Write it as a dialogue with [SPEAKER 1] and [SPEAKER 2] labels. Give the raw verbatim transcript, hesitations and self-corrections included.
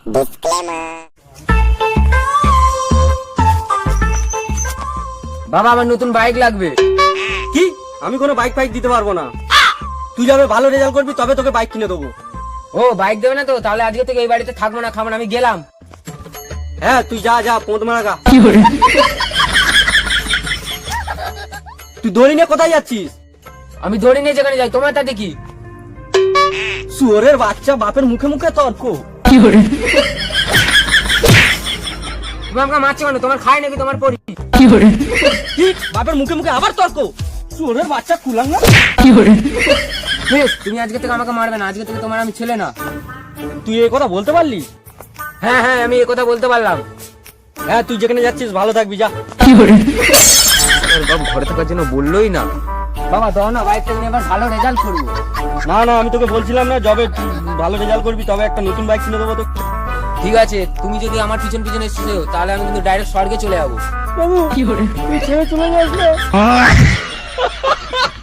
[SPEAKER 1] বাবা আমার নতুন বাইক লাগবে।
[SPEAKER 2] কি? আমি কোনো বাইক ফাইক দিতে পারবো না। তুই যাবে ভালো রেজাল্ট করবি তবে তোকে বাইক কিনে দেবো।
[SPEAKER 1] ও বাইক দেবে না তো? তাহলে আজকে থেকে এই বাড়িতে থাকবো না, খাবো না, আমি গেলাম।
[SPEAKER 2] হ্যাঁ তুই যা যা পোঁত মারা গা। তুই দড়ি নিয়ে কোথায় যাচ্ছিস?
[SPEAKER 1] আমি দড়ি নিয়ে যেখানে যাই, তোমার তাতে কি?
[SPEAKER 2] শুয়োরের বাচ্চা, বাপের মুখে মুখে তর্ক।
[SPEAKER 1] তুমি আমাকে মারছো কেন? তোমার খাই নাকি তোমার পরি?
[SPEAKER 2] কি? বাপের মুখে মুখে আবার তর্ক? শুয়োরের বাচ্চা কুলাং না।
[SPEAKER 1] বেশ, তুমি আজকে থেকে আমাকে মারবে না, আজকে থেকে তোমার আমি ছেলে না।
[SPEAKER 2] তুই এই কথা বলতে পারলি?
[SPEAKER 1] হ্যাঁ হ্যাঁ আমি এই কথা বলতে পারলাম।
[SPEAKER 2] হ্যাঁ তুই যেখানে যাচ্ছিস ভালো থাকবি, যা।
[SPEAKER 1] বাবু ঘরে থাকার জন্য বললোই না। বাবা দাও না, বাইকটা নিয়ে এবার ভালো রেজাল্ট করবো।
[SPEAKER 2] না না আমি তোকে বলছিলাম না, যবে তুই ভালো রেজাল্ট করবি তবে একটা নতুন বাইক কিনে দেবো তো।
[SPEAKER 1] ঠিক আছে, তুমি যদি আমার পিছন পিছনে এসেছো তাহলে আমি কিন্তু ডাইরেক্ট স্বর্গে চলে যাবো।
[SPEAKER 2] বাবু কি করে তুই ছেড়ে চলে যাস না।